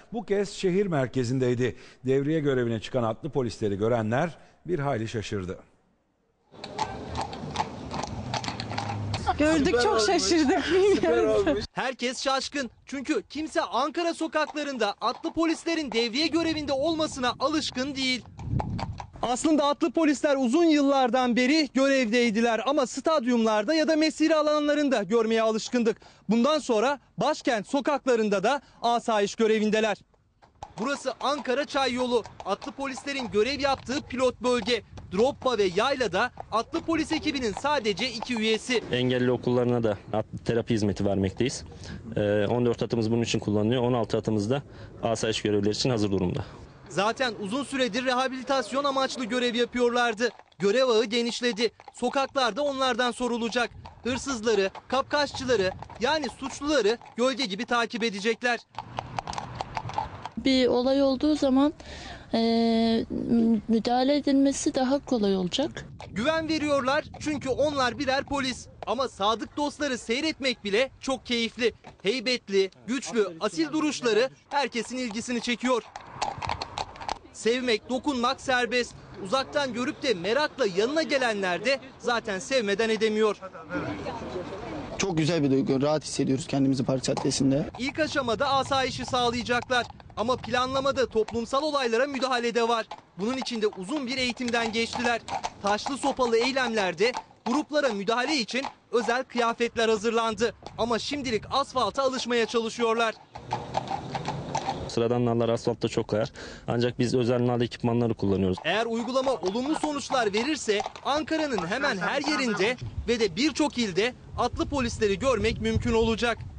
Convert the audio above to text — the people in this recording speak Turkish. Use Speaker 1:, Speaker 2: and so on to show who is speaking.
Speaker 1: bu kez şehir merkezindeydi. Devriye görevine çıkan atlı polisleri görenler bir hayli şaşırdı.
Speaker 2: Gördük, çok şaşırdık. Bilmiyorum.
Speaker 3: Herkes şaşkın çünkü kimse Ankara sokaklarında atlı polislerin devriye görevinde olmasına alışkın değil. Aslında atlı polisler uzun yıllardan beri görevdeydiler ama stadyumlarda ya da mesire alanlarında görmeye alışkındık. Bundan sonra başkent sokaklarında da asayiş görevindeler. Burası Ankara Çayyolu. Atlı polislerin görev yaptığı pilot bölge. Droppa ve Yayla'da atlı polis ekibinin sadece 2 üyesi.
Speaker 4: Engelli okullarına da atlı terapi hizmeti vermekteyiz. 14 atımız bunun için kullanılıyor. 16 atımız da asayiş görevleri için hazır durumda.
Speaker 3: Zaten uzun süredir rehabilitasyon amaçlı görev yapıyorlardı. Görev ağı genişledi. Sokaklarda onlardan sorulacak. Hırsızları, kapkaççıları yani suçluları gölge gibi takip edecekler.
Speaker 5: Bir olay olduğu zaman müdahale edilmesi daha kolay olacak.
Speaker 3: Güven veriyorlar çünkü onlar birer polis. Ama sadık dostları seyretmek bile çok keyifli. Heybetli, güçlü, asil duruşları herkesin ilgisini çekiyor. Sevmek, dokunmak serbest. Uzaktan görüp de merakla yanına gelenler de zaten sevmeden edemiyor.
Speaker 6: Çok güzel bir duygu. Rahat hissediyoruz kendimizi Park Caddesi'nde.
Speaker 3: İlk aşamada asayişi sağlayacaklar. Ama planlamada toplumsal olaylara müdahale de var. Bunun için de uzun bir eğitimden geçtiler. Taşlı sopalı eylemlerde gruplara müdahale için özel kıyafetler hazırlandı. Ama şimdilik asfalta alışmaya çalışıyorlar.
Speaker 4: Sıradan nallar asfaltta çok kayar. Ancak biz özel nal ekipmanları kullanıyoruz.
Speaker 3: Eğer uygulama olumlu sonuçlar verirse Ankara'nın hemen her yerinde ve de birçok ilde atlı polisleri görmek mümkün olacak.